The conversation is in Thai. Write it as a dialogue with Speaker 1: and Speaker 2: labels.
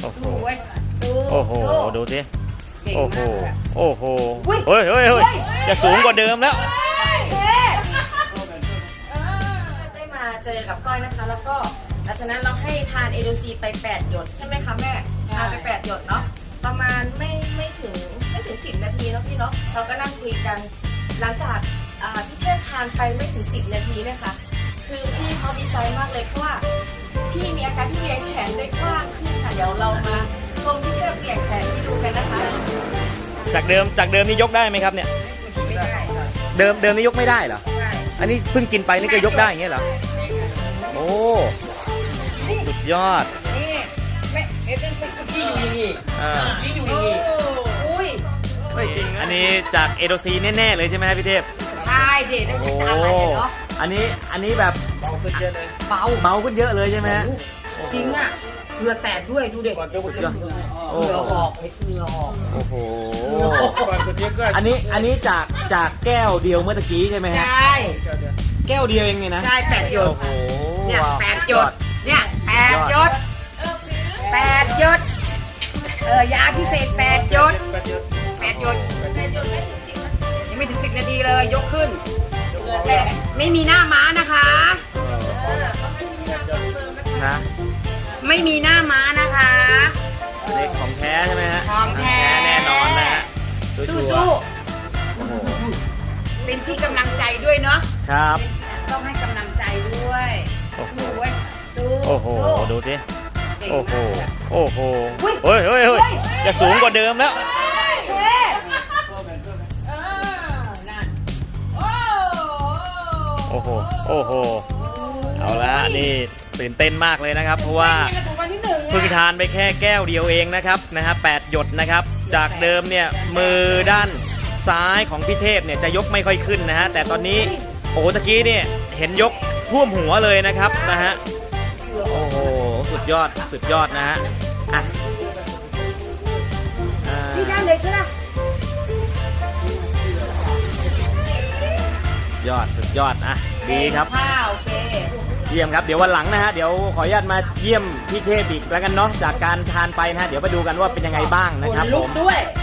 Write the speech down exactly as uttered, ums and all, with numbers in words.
Speaker 1: โอ้โห
Speaker 2: สู้เว้ยสู้
Speaker 1: โอ้โห
Speaker 2: สู้
Speaker 1: ดูสิ
Speaker 2: เก่ง
Speaker 1: โอ้โห
Speaker 2: มากเลยอะ
Speaker 1: โอ้โห
Speaker 2: อุ๊ย
Speaker 1: เฮ้ยเฮ้ยเฮ้ยจะสูงกว่าเดิมแล้ว
Speaker 2: เท่ได้มาเจอกับก้อยนะคะ แล้วก็หลังจากนั้นเราให้ทานเอโดซีไปแปดหยดใช่ไหมคะแม่ทานไปแปดหยดเนาะประมาณไม่ไม่ถึงไม่ถึงสิบนาทีเนาะพี่เนาะเราก็นั่งคุยกัน หลังจากอ่าพี่เทพทานไปไม่ถึงสิบนาทีเนี่ยค่ะคือพี่เขาดีใจมากเลยเพราะว่าพี่มีอาการที่เรียงแขนได้กว้างขึ้นค่ะเดี๋ยวเรามาชมพี่เทพเรียงแขนให้ดูกันนะคะ
Speaker 1: จากเดิมจากเดิมนี่ยกได้ไหมครับเนี่ย
Speaker 2: ไม่ได้
Speaker 1: เดิมเดิมนี่ยกไม่ได้เหรอ
Speaker 2: ใช่
Speaker 1: อันนี้เพิ่งกินไปนี่ก็ยกได้อย่างเงี้ยเหรอ โอ้ สุดยอด
Speaker 2: นี่ไม่เอ๊ะเป็นพี่อยู่นี่
Speaker 1: อ่า
Speaker 2: พี่อยู่นี่อุ้ย
Speaker 1: เฮ้ยอันนี้จากเอโดซีแน่ๆเลยใช่ไหมครับพี่เทพ
Speaker 2: ใช่เด็ดได้
Speaker 1: โอ้
Speaker 2: จะอะไรเนาะ
Speaker 1: อันนี้อันนี้แบบ
Speaker 2: เบา
Speaker 1: เบาขึ้นเยอะเลยใช่ไหมฮะ
Speaker 2: จริงอ่ะเหงื่อแตกด้วยดูเด็ก
Speaker 1: สุดยอด
Speaker 2: เห
Speaker 1: โอ้
Speaker 2: งื่อ
Speaker 1: โห
Speaker 2: ออกเหงื่อออก
Speaker 1: โอ้โห อันนี้อันนี้จากจากแก้วเดียวเมื่อตะกี้ใช่ไหม
Speaker 2: ใช
Speaker 1: ฮะ
Speaker 2: ่
Speaker 1: แก้วเดียวเองเนี่ยนะ
Speaker 2: ใช่แปดหยด
Speaker 1: โอ้โห
Speaker 2: เนี่ย
Speaker 1: ว้าว
Speaker 2: แปดหยดเนี่ยแปดหยดแปดหยดเออยาพิเศษแปดหยดแปดหยดยังไม่ถึงสิบนาทีเลยยกขึ้นแต่ไม่มีหน้าม้านะคะ
Speaker 1: นะ
Speaker 2: ไม่มีหน้าม้านะคะ
Speaker 1: เล็กของแท้ใช่ไหมฮะ
Speaker 2: ของแท้
Speaker 1: แน่นอนนะฮะ
Speaker 2: สู้
Speaker 1: ชัว
Speaker 2: สู้
Speaker 1: ร์ๆโอ้โห
Speaker 2: ๆเป็นที่กำลังใจด้วยเนาะ
Speaker 1: ครับ
Speaker 2: ต้องให้กำลังใจด้วย
Speaker 1: โอ้โห
Speaker 2: สู้เว้ยสู้
Speaker 1: โอ้โห
Speaker 2: สู้
Speaker 1: ดูสิ
Speaker 2: เก่ง
Speaker 1: โอ้โห
Speaker 2: มาก
Speaker 1: โอ้โห
Speaker 2: อุ๊ย
Speaker 1: เฮ้ยเฮ้ยเฮ้ย
Speaker 2: เฮ้ย
Speaker 1: จะสูงกว่าเดิมแล้ว
Speaker 2: เท่เออนั่นโอ้
Speaker 1: โอ้โห โอ้โห เอาละฮะนี่ตื่นเต้นมากเลยนะครับ เพราะว่า
Speaker 2: นี่มันถูกวันที่หนึ่งอะ
Speaker 1: เพิ่งทานไปแค่แก้วเดียวเองนะครับนะฮะแปดหยดนะครับ จากเดิมเนี่ยมือด้านซ้ายของพี่เทพเนี่ยจะยกไม่ค่อยขึ้นนะฮะแต่ตอนนี้โอ้ตะกี้เนี่ยเห็นยกท่วมหัวเลยนะครับนะฮะโอ้โหสุดยอดสุดยอดนะฮะอ่ะอ่า
Speaker 2: นี่ได้เลยใช่ไหม
Speaker 1: ยอดสุดยอดอ่ะดีครับ
Speaker 2: ข้าวโอเค
Speaker 1: เยี่ยมครับเดี๋ยววันหลังนะฮะเดี๋ยวขออนุญาตมาเยี่ยมพี่เทพอีกแล้วกันเนาะจากการทานไปนะฮะเดี๋ยวมาดูกันว่าเป็นยังไงบ้างนะครับ
Speaker 2: ลุ
Speaker 1: ผ
Speaker 2: ก
Speaker 1: ม
Speaker 2: ด้วย